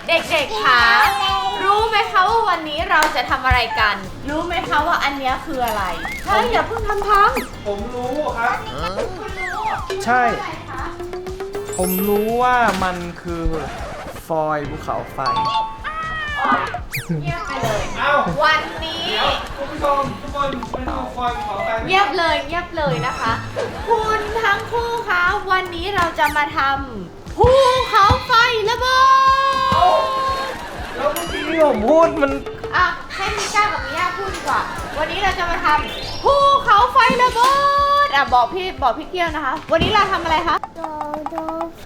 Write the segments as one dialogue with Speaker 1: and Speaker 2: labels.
Speaker 1: เด็กๆคะรู้ไหมคะว่าวันนี้เราจะทำอะไรกันรู้ไหมคะว่าอันนี้คืออะไรเฮ้ยอย่าเพิ่งทำพัง
Speaker 2: ผมรู้ครับ
Speaker 1: คุณรู้
Speaker 2: ใช่
Speaker 1: อะไรคะ
Speaker 2: ผมรู้ว่ามันคือฟอยล์ภูเขาไฟ
Speaker 1: เงียบไปเลย
Speaker 2: เอ้า
Speaker 1: วันนี้
Speaker 2: เดี๋ยวคุณผู้ชมทุกคนไปดูฟอยล์ภูเขาไฟ
Speaker 1: เงียบเลยนะคะ คุณทั้งคู่คะวันนี้เราจะมาทำภูเขาไฟระเบิด
Speaker 2: แล้วเมื่อกี้ที่ผมพูดมัน
Speaker 1: อ่ะให้มิก้ากับมิย่าพูดดีกว่า วันนี้เราจะมาทำภูเขาไฟระเบิดอ่ะบอกพี่เกี้ยวนะคะ วันนี้เราทำอะไรคะ
Speaker 3: โดไฟ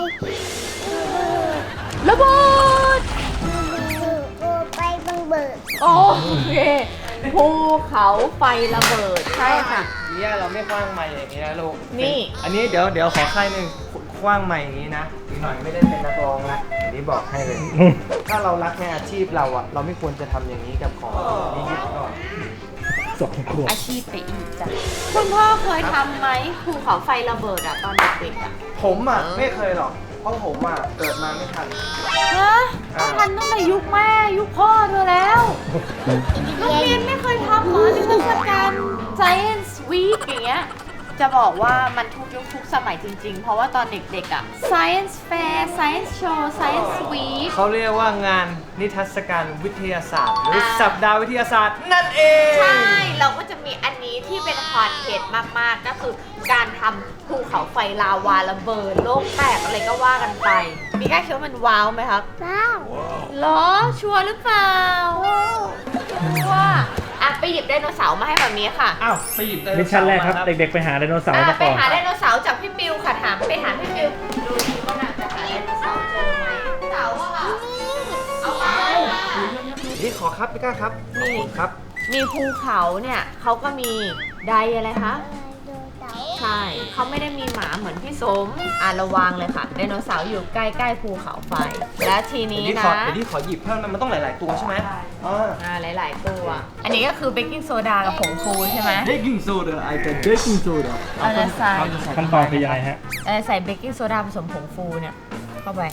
Speaker 1: ระเบิด
Speaker 3: โดไปบังเบิด
Speaker 1: โอเคภูเขาไฟระเบิดใช่ค่ะ
Speaker 2: เนี่ยเราไม่คว้างไม้อย่างนี้นะลูก
Speaker 1: นี่
Speaker 2: อันนี้เดี๋ยวขอค่ายหนึ่งคว้างไม้อย่างนี้นะอีกหน่อยไม่ได้เป็นนักร้องนะอันนี้บอกให้เลย ถ้าเรารักในอาชีพเราอะเราไม่ควรจะทำอย่างนี้กับของนี่ยึดก่อน
Speaker 1: อาชีพไปอีกจ้ะคุณพ่อเคยทำไหมภูเขาไฟระเบิดอะตอนเด็กๆอะ
Speaker 2: ผมอะไม่เคยหรอกเพราะผมอะเกิดมาไม่ทัน
Speaker 1: ฮะต้องทันตั้งแต่ยุคแม่ยุคพ่อเธอแล้วโรงเรียนไม่เคยทำเหรอนิทรรศการ Science Week อย่างเงี้ยจะบอกว่ามันทุกยุคทุกสมัยจริงๆ เพราะว่าตอนเด็กๆอะ Science Fair Science Show Science Week
Speaker 2: เขาเรียกว่างานนิทรรศการวิทยาศาสตร์ หรือสัปดาห์วิทยาศาสตร์นั่นเอง
Speaker 1: ใช่ เราก็จะมีอันนี้ที่เป็นคอนเทนต์มากๆ ก็คือการทำภูเขาไฟลาวาระเบิดโลกแตกอะไรก็ว่ากันไป มีกล้าคิดว่ามันว้าวไหมครับ
Speaker 3: ว้าว
Speaker 1: เหรอ ชัวร์หรือเปล่าชัวร์อ่ะไปหยิบไดโนเสาร์มาให้แบบนี้ค่ะ
Speaker 2: อ้าวไปหยิบไดโน
Speaker 4: มิช
Speaker 2: เสา
Speaker 4: ชั่น
Speaker 2: ร์
Speaker 4: แรกครับ
Speaker 2: มา
Speaker 4: เด็กๆไปหาไดโนเสาร์
Speaker 1: อ่ะ
Speaker 4: มา
Speaker 1: ไป
Speaker 4: ก่อน
Speaker 1: หาไดโนเสาร์จากพี่ปิวค่ะไปหาพี่ปิวดูสิว่าน่ะจะหาไดโนเสาร์เจอไหมเสาร์อะค่ะเอาไปค่ะ
Speaker 2: นี่ขอครับพี่ก้าครับ
Speaker 1: นี่
Speaker 2: ครับ
Speaker 1: มีภูเขาเนี่ยเขาก็มีไดอะไรคะ
Speaker 3: โดเต๋า
Speaker 1: ใช่ เขาไม่ได้มีหมาเหมือนพี่สมระวังเลยค่ะ ไดโนเสาร์อยู่ใกล้ๆภูเขาไฟ และทีนี้
Speaker 2: เดี๋ยว
Speaker 1: นะ
Speaker 2: ขอหยิบเพิ่มนะมันต้องหลาย ๆ ตัวใช่ไหมอ๋อ
Speaker 1: หลายๆตัว อันนี้ก็คือเบกกิ้งโซดากับผงฟูใช่ไหม
Speaker 2: เบกกิ้งโซดาไอเป็นเบกกิ้งโซดา
Speaker 1: เอาละใส่
Speaker 4: ขั้นตอนคือยังไงฮะ
Speaker 1: ใส่เบกกิ้งโซดาผสมผงฟูเนี่ย เข้าไป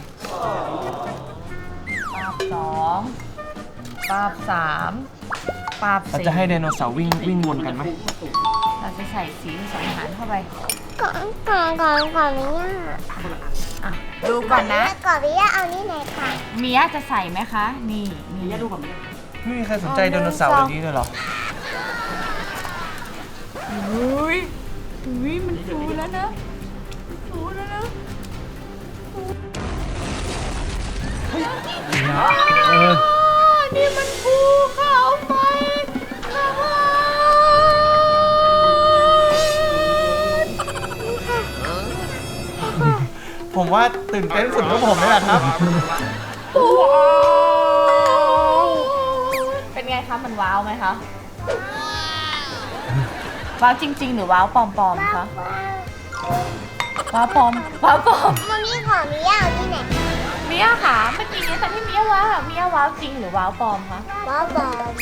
Speaker 1: ปาบสองปาบสามปาบ
Speaker 2: เรา
Speaker 1: สี่
Speaker 2: จะให้ไดโนเสาร์วิ่งวนกันไหม
Speaker 1: เราจะใส่สีผสมอาหารเข้าไป
Speaker 3: ก่อนนี้
Speaker 1: อ่ะ ดูก่อนนะ
Speaker 3: ก่อนนี้เอานี่ไหนค่ะ
Speaker 1: เมียจะใส่ไหมคะ นี่นี่ดูก่อน
Speaker 2: ไม่มีใครสนใจไดโนเสาร์แบบนี้เลยเหรอ
Speaker 1: อุ้ยมันฟูแล้วนะฟูแล้วนะ นี่มันภูเขาไฟระเบิด
Speaker 2: ผมว่าตื่นเต้นสุดก็ผมนี่แหละครับ
Speaker 1: เป็นไงคะมันว้าวไหมคะ ว้าวจริง ๆ หรือว้าวปลอมๆคะ ว้าวปลอม
Speaker 3: มันมีของมีเอาที่ไหน
Speaker 1: เมียค่ะเมื่อกี้นี้ตอนที่เมียว้าวเมียว้าวจริงหรือว้าวปลอมคะ
Speaker 3: ว้าวบอม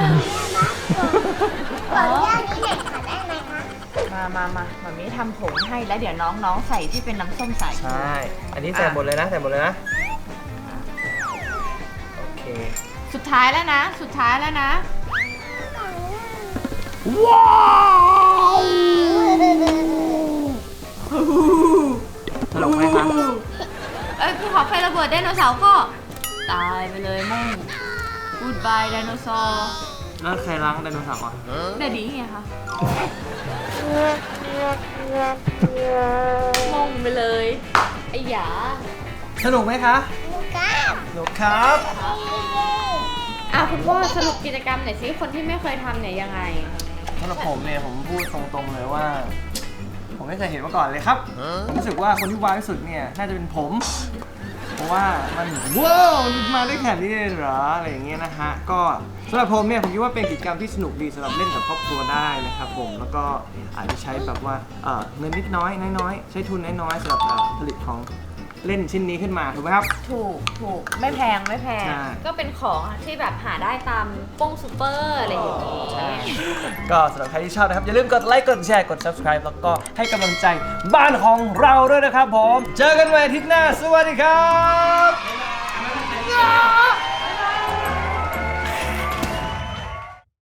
Speaker 3: ขออนุญาตนี่ไหนค่ะได้ไหมคะ
Speaker 1: มามีทำผงให้แล้วเดี๋ยวน้องๆใส่ที่เป็นน้ำส้มสาย
Speaker 2: ใช่ อันนี้ใส่หมดเลยนะ โอเค
Speaker 1: สุดท้ายแล้วนะ
Speaker 2: ว้าวตลกไหมครับ
Speaker 1: ภูเขาไฟระเบิดไดโนเสาร์ก็ตายไปเลยมั่ง Goodbye ไดโนเสาร์
Speaker 2: แล้วใครล้างไดโนเสาร์อ่ะ
Speaker 1: เดดี้ไงคะงงไปเลยไอ้หยา
Speaker 2: สนุกไหมคะ
Speaker 3: ก้า
Speaker 2: สนุกครับ
Speaker 1: คุณพ่อสรุปกิจกรรมหน่อยสิคนที่ไม่เคยทำเนี่ยยังไง
Speaker 2: สำหรับผมเนี่ยผมพูดตรงๆเลยว่า ผมไม่เคยเห็นมาก่อนเลยครับ ผมรู้สึกว่าคนที่ว้าวที่สุดเนี่ยน่าจะเป็นผม เพราะว่ามันว้าวมันมาได้แค่นี้เลยเหรออะไรอย่างเงี้ยนะฮะก็สำหรับผมเนี่ยผมคิดว่าเป็นกิจกรรมที่สนุกดีสำหรับเล่นกับครอบครัวได้นะครับผมแล้วก็อาจจะใช้แบบว่าเงินนิดน้อยใช้ทุนน้อยๆสำหรับผลิตของเล่นชิ้นนี้ขึ้นมาถูกไหมครับ
Speaker 1: ถูกไม่แพง
Speaker 2: ใช่
Speaker 1: ก็เป็นของที่แบบหาได้ตามป้งซูเปอร์อะไรอย่างนี้
Speaker 2: ก็สำหรับใครที่ชอบนะครับอย่าลืมกดไลค์กดแชร์กด subscribe แล้วก็ให้กำลังใจบ้านของเราด้วยนะครับผมเจอกันใหม่อาทิตย์หน้าสวัสดีครับ